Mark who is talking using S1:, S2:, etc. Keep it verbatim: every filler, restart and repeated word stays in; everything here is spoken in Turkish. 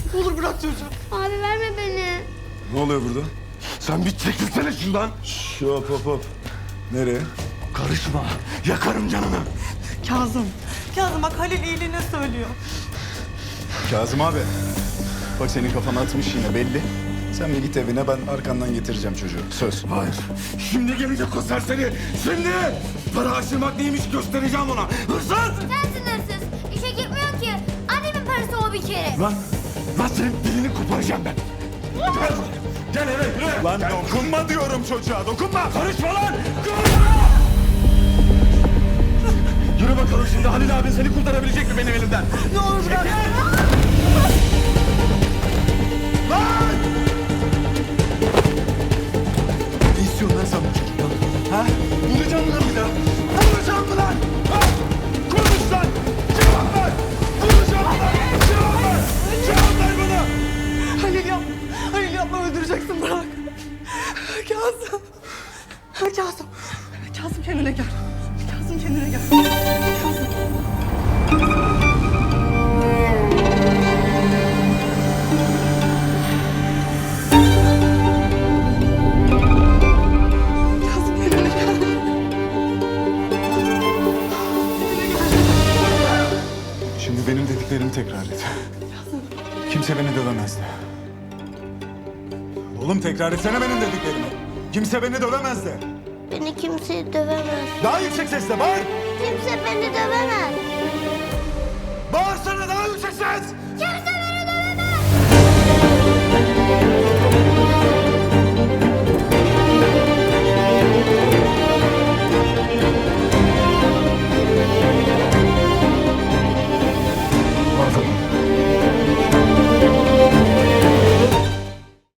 S1: Ne olur bırak çocuğu.
S2: Abi verme beni.
S3: Ne oluyor burada?
S1: Sen bir çekilsene şundan.
S3: Şş, hop hop hop. Nereye?
S1: Karışma. Yakarım canını.
S4: Kazım. Kazım bak Halil iyiliğine söylüyor.
S3: Kazım abi. Bak senin kafana atmış yine belli. Sen bir git evine, ben arkandan getireceğim çocuğu. Söz.
S1: Hayır. Şimdi gelecek o serseri. Şimdi. Para aşırmak neymiş göstereceğim ona. Hırsız.
S2: Sensin hırsız. İşe gitmiyor ki. Annemin parası o bir kere.
S1: Lan. Lan senin dilini koparacağım ben. Gel buraya. Gel eve yürü.
S3: Lan dokunma diyorum çocuğa, dokunma!
S1: Karışma lan. Yürü bakalım şimdi Halil abin seni kurtarabilecek mi benim elimden?
S4: Ne olur bırak.
S1: Lan! Ne istiyorsun lan sen bu çocuktan? Ha? Vuracağım mı lan bir daha? Vuracağım mı lan? Ha? Konuş lan! Cevap ver! Vuracağım mı lan? Cevap ver! Cevap ver bana!
S4: Halil yapma. Halil yapma öldüreceksin bırak. Kazım. Kazım. Kazım kendine gel. Kazım kendine gel. Kazım. Kazım kendine gel.
S3: Şimdi benim dediklerimi tekrar et. Kimse beni dövemezdi. Oğlum tekrar etsene benim dediklerimi. Kimse beni dövemezdi.
S2: Beni kimse dövemez.
S3: Daha yüksek sesle bağır.
S2: Kimse beni dövemez.
S1: Bağırsana daha yüksek ses!